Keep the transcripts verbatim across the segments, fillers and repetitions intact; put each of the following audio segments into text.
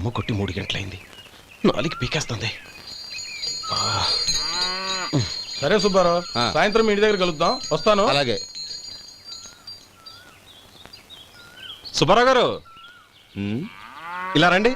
అమ్మ కొట్టి మూడు గంటలైంది, నాలుగు పీకేస్తుంది. సరే సుబ్బారావు, సాయంత్రం ఇంటి దగ్గర కలుద్దాం. వస్తాను. అలాగే. సుబ్బారావు గారు ఇలా రండి.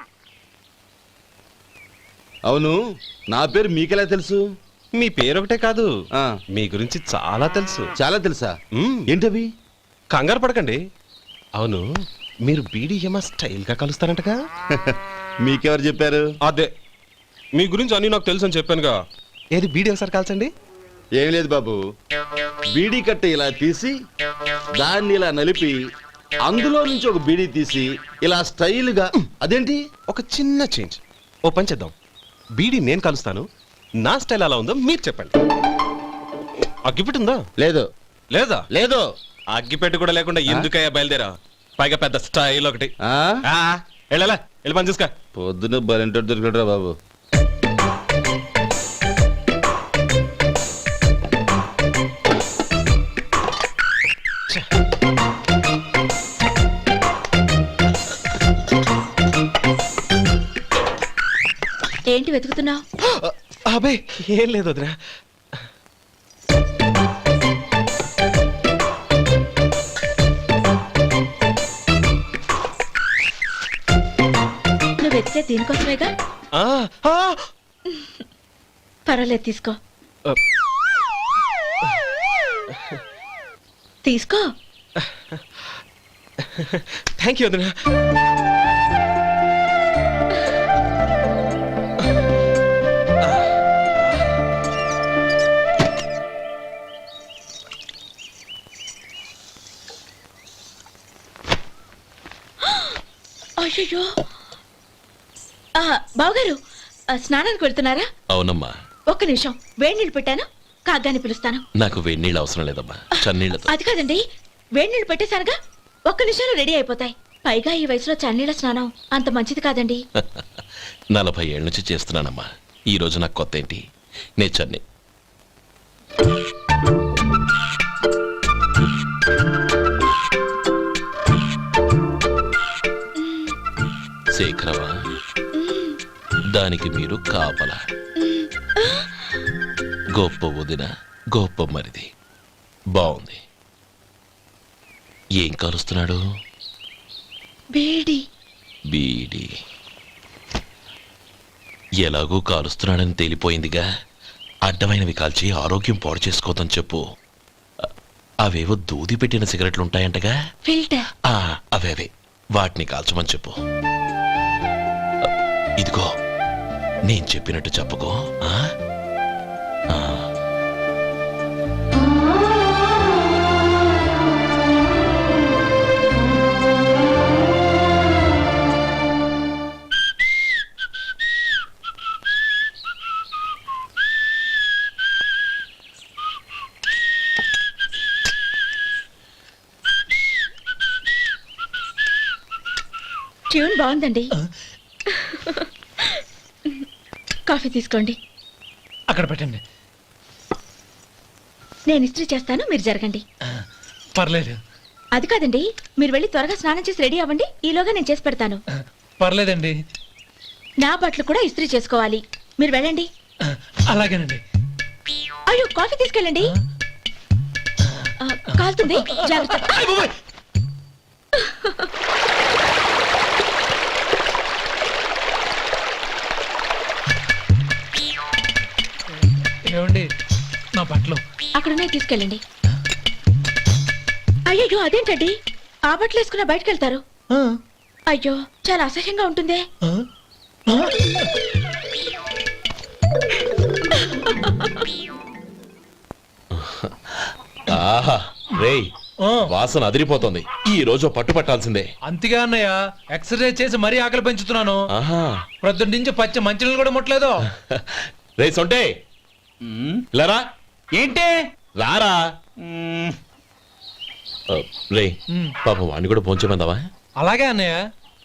అవును, నా పేరు మీకెలా తెలుసు? మీ పేరు ఒకటే కాదు, ఆ, మీ గురించి చాలా తెలుసు. చాలా తెలుసా? మ్మ్. ఏంటవి? కంగారు పడకండి. అవును, మీరు బీడీఎంఆ స్టైల్ గా కలుస్తారంటగా? మీకెవరు చెప్పారు? అదే, మీ గురించి అన్ని నాకు తెలుసు అని చెప్పానుగా. ఏది బీడీ ఒకసారి కాల్చండి. ఏం లేదు బాబు, బీడీ కట్ట ఇలా తీసి దాన్ని ఇలా నలిపి అందులో నుంచి ఒక బీడీ తీసి ఇలా స్టైల్గా. అదేంటి? ఒక చిన్న చేంజ్. ఓ పని చేద్దాం, బీడీ నేను కలుస్తాను, నా స్టైల్ అలా ఉందో మీరు చెప్పండి. అగ్గిపెట్టి ఉందా? లేదు. లేదా? లేదు. అగ్గిపెట్టి కూడా లేకుండా ఎందుకయ్యా బయలుదేరా? పైగా పెద్ద స్టైల్ ఒకటి. ఆ? వెళ్ళాలా, వెళ్ళి పని చూసుకో. పొద్దున బలింటోడు దొరికడరా బాబు. ఏంటి వెతుకుతున్నావు? అబే ఏం లేదు వదినా. నువ్వు వెతికే దీనికోసమేగా. పర్వాలేదు, తీసుకో తీసుకో. థ్యాంక్ యూ వదినా. అయ్యో, బావగారు స్నానానికి వెళ్తున్నారా? అవునమ్మా. ఒక్క నిమిషం, వేడి నీళ్ళు పెట్టాను, కాగ్గాని పిలుస్తాను. నాకు వేడి నీళ్ళు అవసరం లేదమ్మా, చన్నీళ్ళతో. అది కాదండి, వేడి నీళ్ళు పెట్టేశానుగా, ఒక్క నిమిషంలో రెడీ అయిపోతాయి. పైగా ఈ వయసులో చన్నీళ్ళ స్నానం అంత మంచిది కాదండి. నలభై ఏళ్ళ నుంచి చేస్తున్నానమ్మా, ఈ రోజు నాకు కొత్త ఏంటి? నే చన్ని. శేఖరవా, దానికి మీరు కాపలా. గొప్ప వదిన, గొప్ప మరిది. బాగుంది. ఏం కాలుస్తున్నాడు? బీడి. బీడి. ఎలాగూ కాలుస్తున్నాడని తేలిపోయిందిగా, అడ్డమైనవి కాల్చి ఆరోగ్యం పాడు చేసుకోదని చెప్పు. అవేవో దూది పెట్టిన సిగరెట్లు ఉంటాయంటగా, ఫిల్టర్. అవే అవే వాటిని కాల్చమని చెప్పు. ఇదిగో, నేను చెప్పినట్టు చెప్పుకో. ట్యూన్ బాగుందండి. కాఫీ తీసుకోండి. అక్కడ పెట్టండి. నేను ఇస్త్రీ చేస్తాను, మీరు జరగండి. పర్లేదు. అది కాదండి, మీరు వెళ్ళి త్వరగా స్నానం చేసి రెడీ అవ్వండి, ఈలోగా నేను చేసి పెడతాను. పర్లేదండి. నా బట్టలు కూడా ఇస్త్రీ చేసుకోవాలి, మీరు వెళ్ళండి. అలాగేనండి. అయ్యో, కాఫీ తీసుకెళ్ళండి. కాలుతుంది, జాగ్రత్త. ఏమండి, నా బట్టలు అక్కడున్నాయి, తీసుకెళ్ళండి. అయ్యో, అదేంటండి, ఆ బట్టలు వేసుకున్న బయటకు వెళ్తారు? అయ్యో, చాలా అసహ్యంగా ఉంటుందే. ఆహా రేయ్, వాసన అదిరిపోతుంది. ఈ రోజు పట్టు పట్టాల్సిందే. అంతగా అన్నయ్య, ఎక్సర్సైజ్ చేసి మరీ ఆకలి పెంచుతున్నాను. ప్రొద్దున నుంచి పచ్చ మంచినీళ్ళు కూడా ముట్టలేదు. రే సొంటే, లరా. ఏంటి? రారా. రే పాపం వాడిని కూడా పోంచమందావా? అలాగే అన్నయ్య.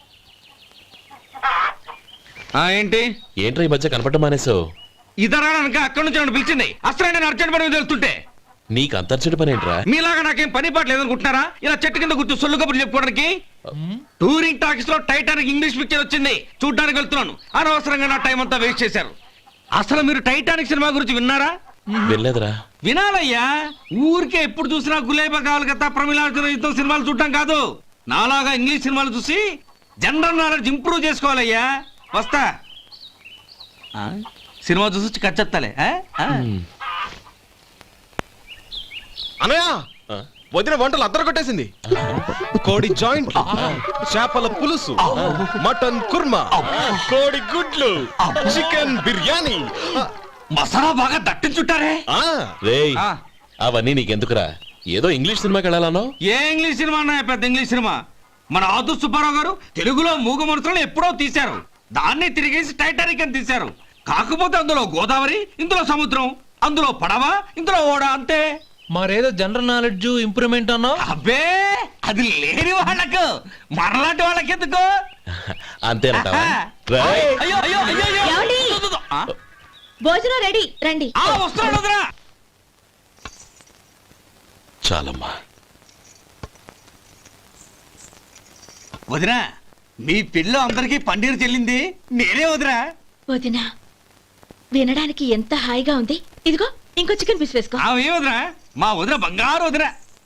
ఏంటి ఏంట్రా ఈ మధ్య కనపడటం మానేసావు? ఇదరా అక్కడి నుంచి నన్ను పిలిచింది. అసలు నేను అర్జెంట్ పని వెళ్తుంటే నీకు అంతర్చడి పని ఏంట్రా మీలాగా నాకేం పని పాట లేదనుకుంటున్నారా ఇలా చెట్టు కింద కూర్చో సొల్లు కబుర్లు చెప్పుకోవడానికి టూరింగ్ టాకీస్ లో టైటానిక్ ఇంగ్లీష్ పిక్చర్ వచ్చింది చూడ్డానికి వెళ్తున్నాను అనవసరంగా నా టైం అంతా వేస్ట్ చేశారు అసలు మీరు టైటానిక్ సినిమా గురించి విన్నారా వెళ్ళలేదురా వినాలయ్యా ఊరికే ఎప్పుడు చూసినా గులేబా కావాలి కదా ప్రమిళార్జున యుద్ధం సినిమాలు చూడటం కాదు నాలాగా ఇంగ్లీష్ సినిమాలు చూసి జనరల్ నాలెడ్జ్ ఇంప్రూవ్ చేసుకోవాలయ్యా వస్తా ఆ? సినిమా చూసి వచ్చి కచ్చెత్తాలే ఆ? ఆ? అనయ్య ఆ? వదిన వంటలు అద్దరు కొట్టేసింది కోడి జాయింట్ చేపల పులుసు మటన్ కుర్మా కోడి గుడ్లు చికెన్ బిర్యానీ మసాలా బాగా దట్టించుంటారే ఆ, రేయ్ ఆ. అవన్నీ నీకెందుకురా ఏదో ఇంగ్లీష్ సినిమాకి వెళ్ళాలనో ఏ ఇంగ్లీష్ సినిమా అన్నా పెద్ద ఇంగ్లీష్ సినిమా మన ఆదు సుబ్బారావు గారు తెలుగులో మూగ మనుషులను ఎప్పుడో తీశారు దాన్ని తిరిగేసి టైటానిక్ అని తీశారు కాకపోతే అందులో గోదావరి ఇందులో సముద్రం అందులో పడవ ఇందులో ఓడ అంతే మరేదో జనరల్ నాలెడ్జ్ ఇంప్రూవ్మెంట్ అన్నావు అబ్బే అది లేని వాళ్ళకు మరలాంటి వాళ్ళకి ఎందుకు అంతేనంటావా ఆహా. రేయ్, అయ్యో అయ్యో అయ్యో అయ్యో. ఏమండి? దు, దు, దు. ఆ? భోజనం రెడీ రండి ఆ, వస్తున్నాడు వదరా చాలమ్మా వదినా మీ పిల్ల అందరికీ పన్నీరు చెల్లింది నేనే వదినా వదినా వినడానికి ఎంత హాయిగా ఉంది ఇదిగో ఇంకో చికెన్ పీస్ వేసుకో ఆమె వదినా మా వదిన బంగారు వదినా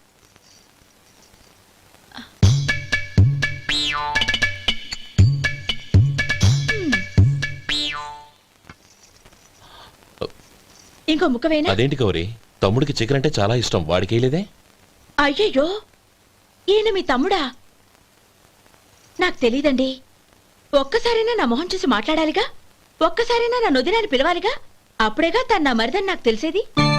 ఇంకో ముక్క వేయనా అదేంటి గౌరీ తమ్ముడికి చికెన్ అంటే చాలా ఇష్టం వాడికి వేయలేదే అయ్యయ్యో ఈయన మీ తమ్ముడా నాకు తెలీదండి ఒక్కసారైనా నా మొహం చూసి మాట్లాడాలిగా ఒక్కసారైనా నా నొదినాన్ని పిలవాలిగా అప్పుడేగా తన నా మరిదని నాకు తెలిసేది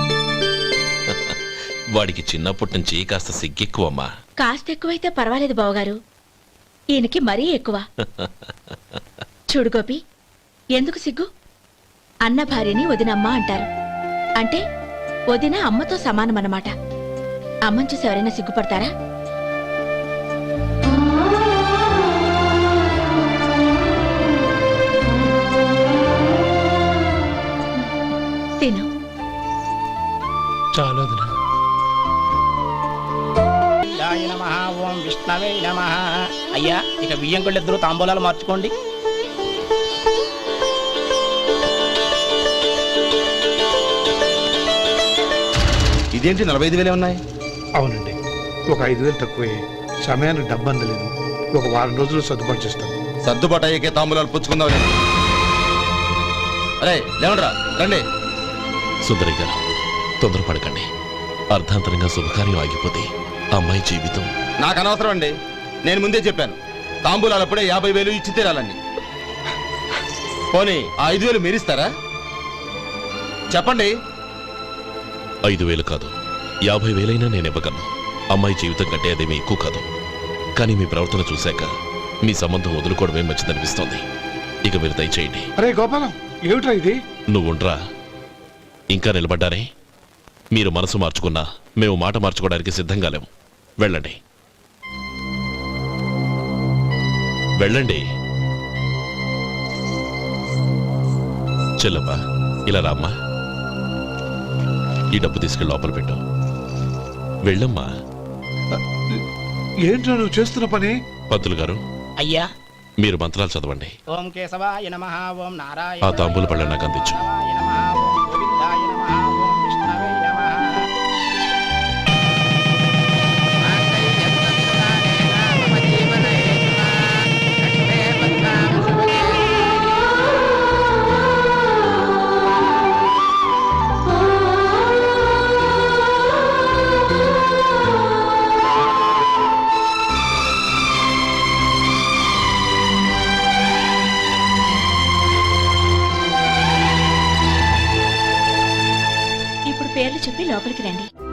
వాడికి చిన్నప్పటి నుంచి కాస్త సిగ్గెక్కువమ్మా కాస్త ఎక్కువైతే పర్వాలేదు బావగారు ఈయనకి మరీ ఎక్కువ చూడు గోపి ఎందుకు సిగ్గు అన్న భార్యని వదినమ్మ అంటారు అంటే వదిన అమ్మతో సమానమన్నమాట అమ్మని చూసి ఎవరైనా సిగ్గుపడతారా తిను చాలు వదినా శివాయ నమః ఓం విష్ణవే నమః అయ్యా ఇక బియ్యం కొళ్ళు ఇద్దరు తాంబూలాలు మార్చుకోండి ఇదేంటి నలభై ఐదు వేలే ఉన్నాయి అవునండి ఒక ఐదు వేలు తక్కువే సమయానికి డబ్బు అందలేదు ఒక వారం రోజులు సర్దుబాటు చేస్తాం సర్దుబాటు అయ్యకే తాంబూలాలు పుచ్చుకుందాం అరే లేవండ్రా రండి సుందరి గారు తొందరపడకండి అర్ధాంతరంగా శుభకార్యం ఆగిపోతే అమ్మాయి జీవితం నాకు అనవసరం అండి నేను ముందే చెప్పాను తాంబూలాలు అప్పుడే యాభై వేలు ఇచ్చి తీరాలండి పోనీ ఆ ఐదు వేలు మీరిస్తారా చెప్పండి ఐదు వేలు కాదు యాభై వేలైనా నేను ఇవ్వగలను అమ్మాయి జీవితం కంటే అదేమీ ఎక్కువ కాదు కానీ మీ ప్రవర్తన చూశాక మీ సంబంధం వదులుకోవడమే మంచిదనిపిస్తోంది ఇక మీరు దయచేయండి అరే గోపాలం ఏమిట్రా ఇది నువ్వుండ్రా ఇంకా నిలబడ్డారే మీరు మనసు మార్చుకున్నా మేము మాట మార్చుకోవడానికి సిద్ధంగా లేము వెళ్ళండి వెళ్ళండి చెల్లమ్మా ఇలా రామ్మా ఈ డబ్బు తీసుకెళ్ళి లోపల పెట్టు వెళ్ళమ్మా ఏంట్రా నువ్వు చేస్తున్న పని పంతులు గారు అయ్యా మీరు మంత్రాలు చదవండి ఓం కేశవాయ నమః ఓం ఆ నారాయణ తాంబూల పళ్ళ నాకు అందించు నమః ఓం గోవిందాయ నమః ఓం విష్ణవే నమః ఇప్పుడు పేర్లు చెప్పి లోపలికి రండి